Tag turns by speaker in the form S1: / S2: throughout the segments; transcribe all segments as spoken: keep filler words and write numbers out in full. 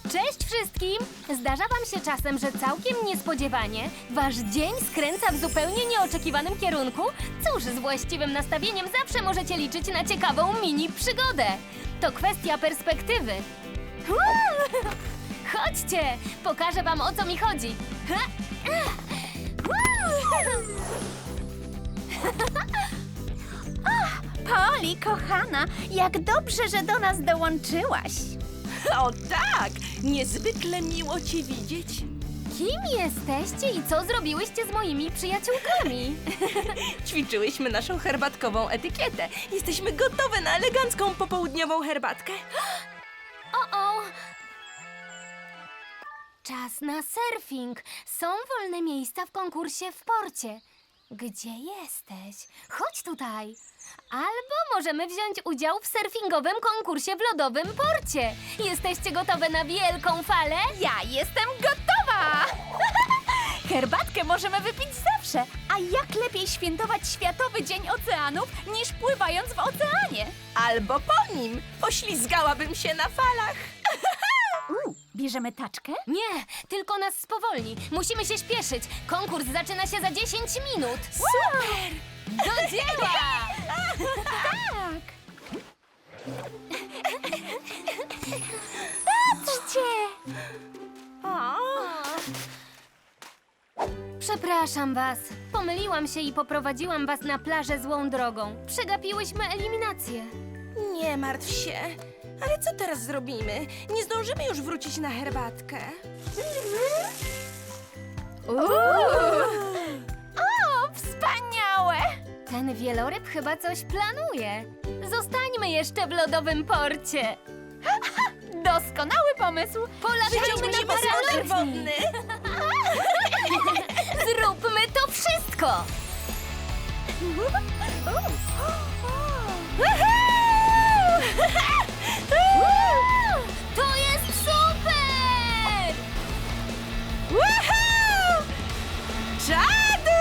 S1: Cześć wszystkim! Zdarza wam się czasem, że całkiem niespodziewanie wasz dzień skręca w zupełnie nieoczekiwanym kierunku? Cóż, z właściwym nastawieniem zawsze możecie liczyć na ciekawą mini przygodę. To kwestia perspektywy. Uuu! Chodźcie, pokażę wam, o co mi chodzi. Ha! Uuu!
S2: Poli, kochana, jak dobrze, że do nas dołączyłaś.
S3: O tak! Niezwykle miło cię widzieć.
S1: Kim jesteście i co zrobiłyście z moimi przyjaciółkami?
S3: Ćwiczyłyśmy naszą herbatkową etykietę. Jesteśmy gotowe na elegancką popołudniową herbatkę.
S1: O-o! Czas na surfing. Są wolne miejsca w konkursie w porcie. Gdzie jesteś? Chodź tutaj. Albo możemy wziąć udział w surfingowym konkursie w lodowym porcie. Jesteście gotowe na wielką falę?
S2: Ja jestem gotowa! Herbatkę możemy wypić zawsze, a jak lepiej świętować Światowy Dzień Oceanów, niż pływając w oceanie?
S3: Albo po nim. Poślizgałabym się na falach.
S2: U, bierzemy taczkę?
S1: Nie, tylko nas spowolni. Musimy się śpieszyć. Konkurs zaczyna się za dziesięć minut.
S3: Super!
S1: Do dzieła!
S2: Tak! Patrzcie!
S3: O,
S1: Przepraszam was. Pomyliłam się i poprowadziłam was na plażę złą drogą. Przegapiłyśmy eliminację.
S3: nie martw się. Ale co teraz zrobimy? Nie zdążymy już wrócić na herbatkę.
S2: O, wspaniałe!
S1: Ten wieloryb chyba coś planuje. Zostańmy jeszcze w lodowym porcie.
S2: Doskonały pomysł!
S1: Polatajmy na
S3: rower
S1: paralotni.
S3: wodny.
S1: Zróbmy to wszystko! To jest super!
S3: Woohoo! Czadu!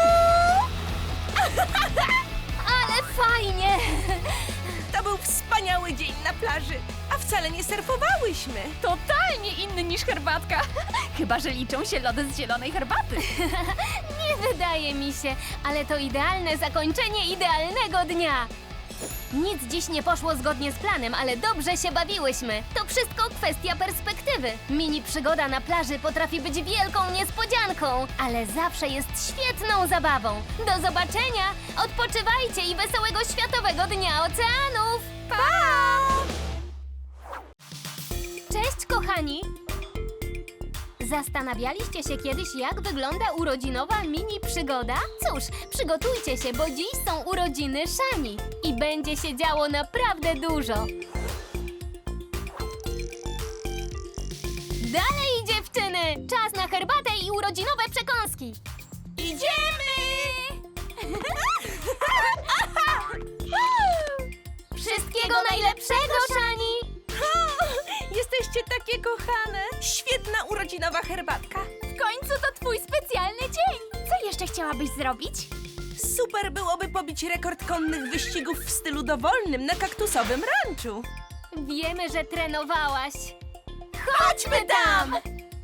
S1: Ale fajnie!
S3: To był wspaniały dzień na plaży, a wcale nie surfowałyśmy.
S2: Totalnie inny niż herbatka. Chyba że liczą się lody z zielonej herbaty.
S1: Nie wydaje mi się, ale to idealne zakończenie idealnego dnia. Nic dziś nie poszło zgodnie z planem, ale dobrze się bawiłyśmy. To wszystko kwestia perspektywy. Mini przygoda na plaży potrafi być wielką niespodzianką, ale zawsze jest świetną zabawą. Do zobaczenia! Odpoczywajcie i wesołego Światowego Dnia Oceanów! Pa! Cześć, kochani! Zastanawialiście się kiedyś, jak wygląda urodzinowa mini przygoda? Cóż, przygotujcie się, bo dziś są urodziny Szani i będzie się działo naprawdę dużo. Dalej, dziewczyny! Czas na herbatę i urodzinowe przekąski!
S3: Idziemy!
S1: Wszystkiego najlepszego, Szani!
S3: Jesteście takie kochane. Świetna urodzinowa herbatka.
S2: W końcu to twój specjalny dzień. Co jeszcze chciałabyś zrobić?
S3: Super byłoby pobić rekord konnych wyścigów w stylu dowolnym na kaktusowym ranczu.
S1: Wiemy, że trenowałaś.
S3: Chodźmy tam!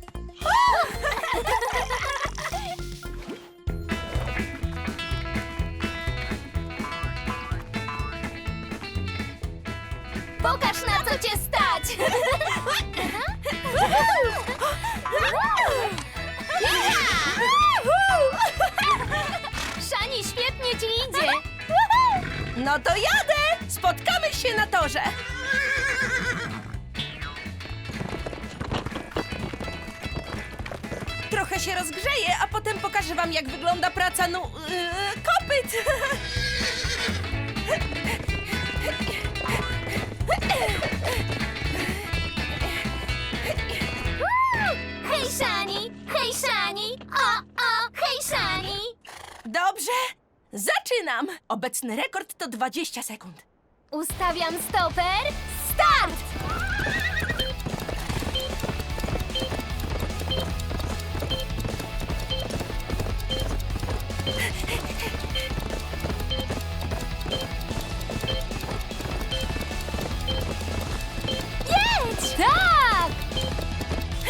S1: Pokaż, na co cię stać! Szani, świetnie ci idzie!
S3: No to jadę! Spotkamy się na torze! Trochę się rozgrzeję, a potem pokażę wam, jak wygląda praca nu... Yy, kopyt!
S1: Hej, Szani! Hej, Szani! O, o, hej, Szani!
S3: Dobrze, zaczynam! Obecny rekord to dwadzieścia sekund.
S1: Ustawiam stoper. Start! Jedź! Tak!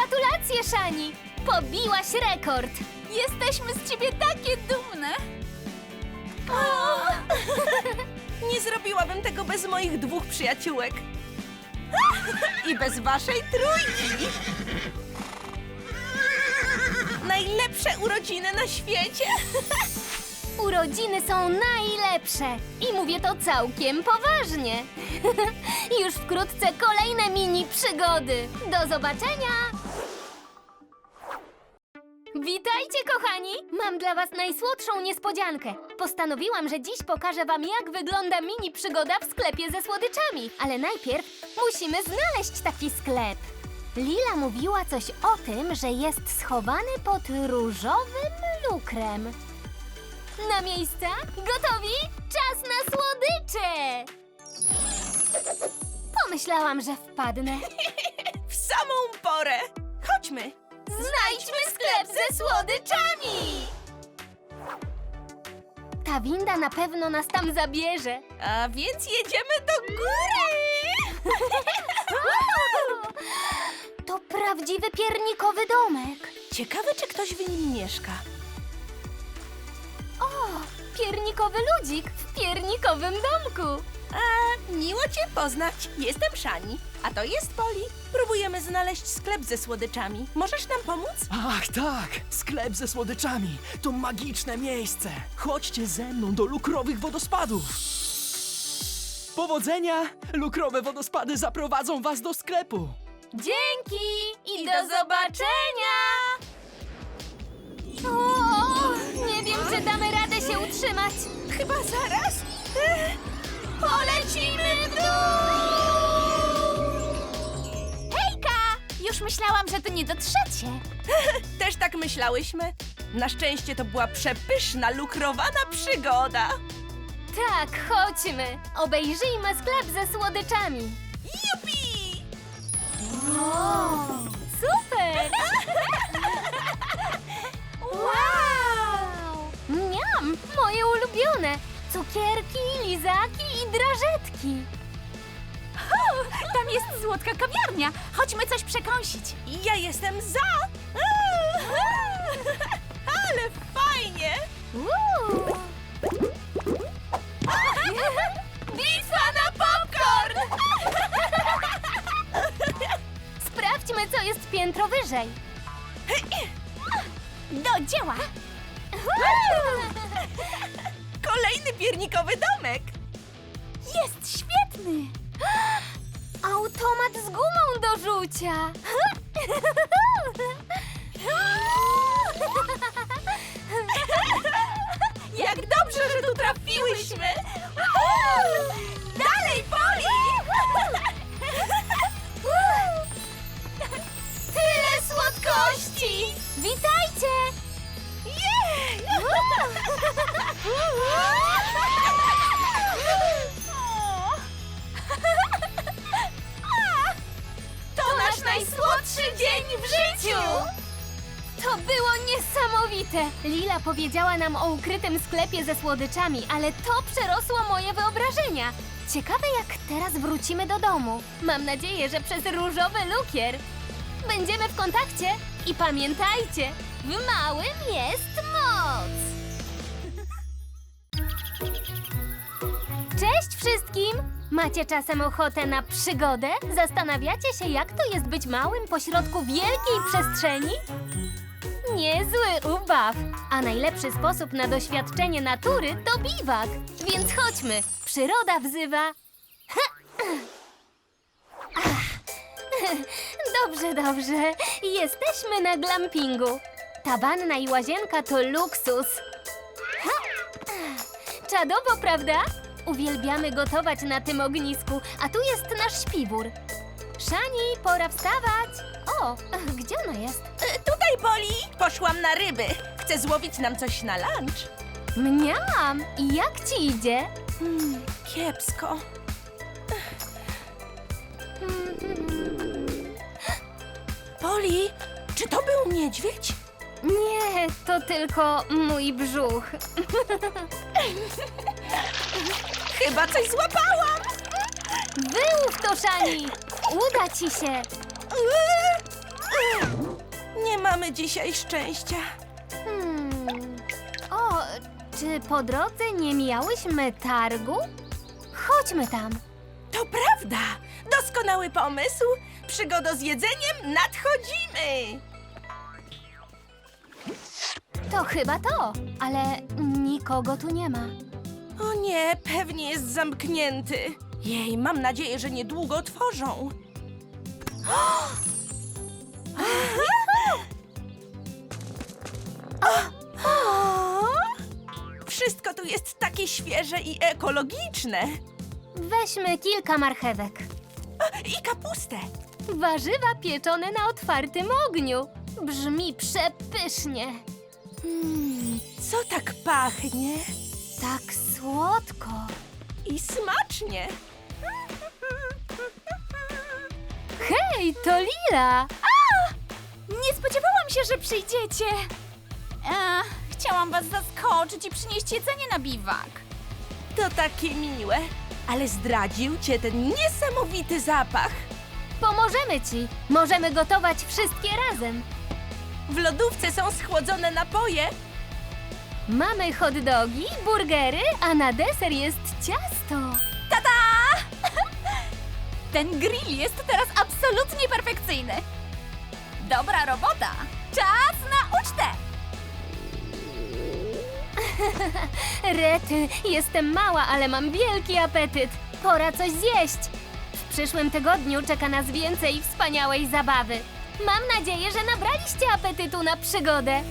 S1: Gratulacje, Szani! Pobiłaś rekord!
S2: Jesteśmy z ciebie takie dumne!
S3: Nie zrobiłabym tego bez moich dwóch przyjaciółek. I bez waszej trójki. Najlepsze urodziny na świecie.
S1: Urodziny są najlepsze i mówię to całkiem poważnie. Już wkrótce kolejne mini przygody. Do zobaczenia! Witajcie, kochani! Mam dla was najsłodszą niespodziankę. Postanowiłam, że dziś pokażę wam, jak wygląda mini przygoda w sklepie ze słodyczami. Ale najpierw musimy znaleźć taki sklep. Lila mówiła coś o tym, że jest schowany pod różowym lukrem. Na miejsca? Gotowi? Czas na słodycze! Pomyślałam, że wpadnę.
S3: W samą porę. Chodźmy.
S1: Znajdźmy sklep ze słodyczami! Ta winda na pewno nas tam zabierze.
S3: A więc jedziemy do góry.
S1: To prawdziwy piernikowy domek.
S3: Ciekawe, czy ktoś w nim mieszka.
S1: O, piernikowy ludzik w piernikowym domku.
S3: A, miło cię poznać. Jestem Szani, a to jest Poli. Próbujemy znaleźć sklep ze słodyczami. Możesz nam pomóc?
S4: Ach tak, sklep ze słodyczami. To magiczne miejsce. Chodźcie ze mną do lukrowych wodospadów. Powodzenia! Lukrowe wodospady zaprowadzą was do sklepu.
S1: Dzięki i do zobaczenia! O, nie wiem, czy damy radę się utrzymać.
S3: Chyba zaraz.
S1: Polecimy w dół!
S2: Hejka! Już myślałam, że tu nie dotrzecie.
S3: Też tak myślałyśmy. Na szczęście to była przepyszna, lukrowana przygoda.
S1: Tak, chodźmy. Obejrzyjmy sklep ze słodyczami.
S3: Jupi!
S1: Super! Wow! Miam! Moje ulubione! Cukierki, lizaki i drażetki.
S2: Tam jest słodka kawiarnia. Chodźmy coś przekąsić.
S3: Ja jestem za! Ale fajnie!
S1: Uuu. Bitwa na popcorn! Sprawdźmy, co jest piętro wyżej.
S2: Do dzieła!
S3: Kolejny piernikowy domek!
S2: Jest świetny!
S1: Automat z gumą do rzucia.
S3: Jak dobrze, że tu trafiłyśmy! Dalej, Poli!
S1: Tyle słodkości! Witajcie!
S3: Jej!
S1: To nasz najsłodszy dzień w życiu! To było niesamowite! Lila powiedziała nam o ukrytym sklepie ze słodyczami, ale to przerosło moje wyobrażenia. Ciekawe, jak teraz wrócimy do domu. Mam nadzieję, że przez różowy lukier. Będziemy w kontakcie i pamiętajcie, w małym jest moc! Cześć wszystkim! Macie czasem ochotę na przygodę? Zastanawiacie się, jak to jest być małym pośrodku wielkiej przestrzeni? Niezły ubaw! A najlepszy sposób na doświadczenie natury to biwak. Więc chodźmy, przyroda wzywa. Dobrze, dobrze. Jesteśmy na glampingu. Ta wanna i łazienka to luksus. Czadowo, prawda? Uwielbiamy gotować na tym ognisku, a tu jest nasz śpiwór. Szani, pora wstawać. O, gdzie ona jest?
S3: E, Tutaj, Poli! Poszłam na ryby. Chcę złowić nam coś na lunch.
S1: Mniam! I jak ci idzie?
S3: Hmm, kiepsko. Poli, czy to był niedźwiedź?
S1: Nie, to tylko mój brzuch.
S3: Chyba coś złapałam!
S1: Wyłów to, Szani! Uda ci się!
S3: mamy dzisiaj szczęścia.
S1: Hmm. O, czy po drodze nie mijałyśmy targu? Chodźmy tam.
S3: To prawda! Doskonały pomysł! Przygoda z jedzeniem nadchodzimy!
S1: To chyba to, ale nikogo tu nie ma.
S3: O nie, pewnie jest zamknięty. Jej, mam nadzieję, że niedługo otworzą. Wszystko tu jest takie świeże i ekologiczne.
S1: Weźmy kilka marchewek.
S3: I kapustę.
S1: Warzywa pieczone na otwartym ogniu. Brzmi przepysznie.
S3: Mm, co tak pachnie?
S1: Tak słodko.
S3: I smacznie.
S1: Hej, to Lila!
S2: Nie spodziewałam się, że przyjdziecie. E, chciałam was zaskoczyć i przynieść jedzenie na biwak.
S3: To takie miłe. Ale zdradził cię ten niesamowity zapach.
S1: Pomożemy ci. Możemy gotować wszystkie razem.
S3: W lodówce są schłodzone napoje.
S1: Mamy hot dogi, burgery, a na deser jest ciasto.
S2: Ten grill jest teraz absolutnie perfekcyjny. Dobra robota. Czas na ucztę.
S1: Rety, jestem mała, ale mam wielki apetyt. Pora coś zjeść. W przyszłym tygodniu czeka nas więcej wspaniałej zabawy. Mam nadzieję, że nabraliście apetytu na przygodę.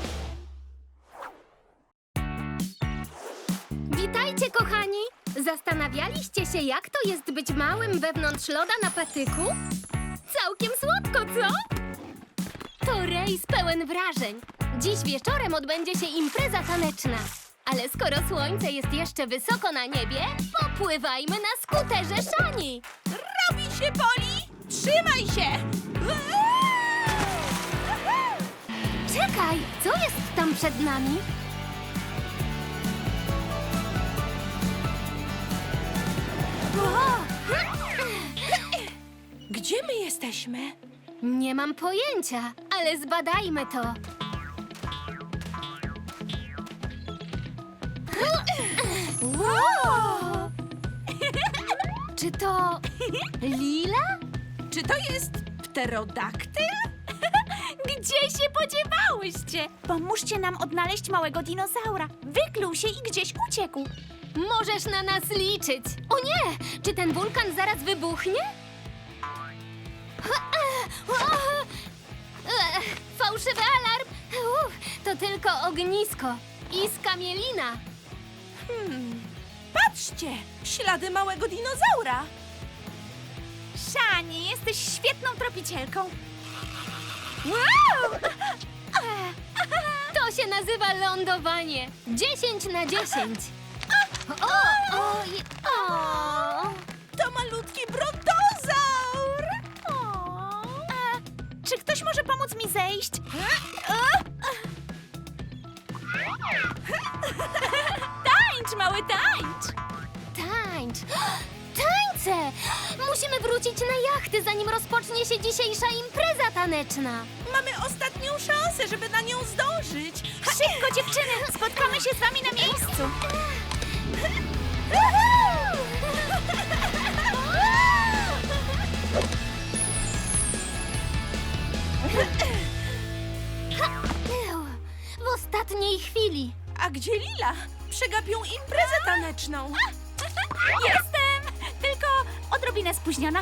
S1: Witajcie, kochani! Zastanawialiście się, jak to jest być małym wewnątrz loda na patyku? Całkiem słodko, co? To rejs pełen wrażeń. Dziś wieczorem odbędzie się impreza taneczna. Ale skoro słońce jest jeszcze wysoko na niebie, popływajmy na skuterze Szani.
S3: Robi się, Poli! Trzymaj się!
S1: Czekaj, co jest tam przed nami?
S3: Gdzie my jesteśmy?
S1: Nie mam pojęcia, ale zbadajmy to.
S3: Wow!
S1: Czy to Lila?
S3: Czy to jest pterodaktyl?
S2: Gdzie się podziewałyście? Pomóżcie nam odnaleźć małego dinozaura. Wykluł się i gdzieś uciekł.
S1: Możesz na nas liczyć. O nie! Czy ten wulkan zaraz wybuchnie? Fałszywy alarm! Uff, to tylko ognisko i skamielina.
S3: Hmm. Patrzcie! Ślady małego dinozaura!
S2: Szani, jesteś świetną tropicielką. Wow!
S1: To się nazywa lądowanie. dziesięć na dziesięć. O, o, i- o.
S3: To malutki brontozaur!
S2: A, czy ktoś może pomóc mi zejść? Tańcz, mały tańcz!
S1: Tańcz! Tańce! Musimy wrócić na jachty, zanim rozpocznie się dzisiejsza impreza taneczna.
S3: Mamy ostatnią szansę, żeby na nią zdążyć.
S2: Szybko, dziewczyny! Spotkamy się z wami na miejscu.
S1: W ostatniej chwili.
S3: A gdzie Lila? Przegapią imprezę taneczną.
S2: Jestem! Tylko odrobinę spóźniona.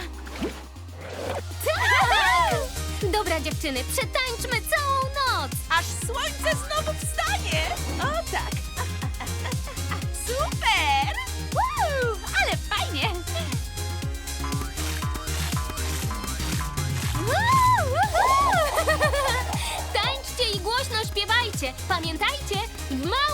S1: Dobra, dziewczyny, przetańczmy całą noc.
S3: Aż słońce znowu wstanie! O tak! Super!
S2: Woo, ale fajnie!
S1: Tańczcie i głośno śpiewajcie. Pamiętajcie, w małym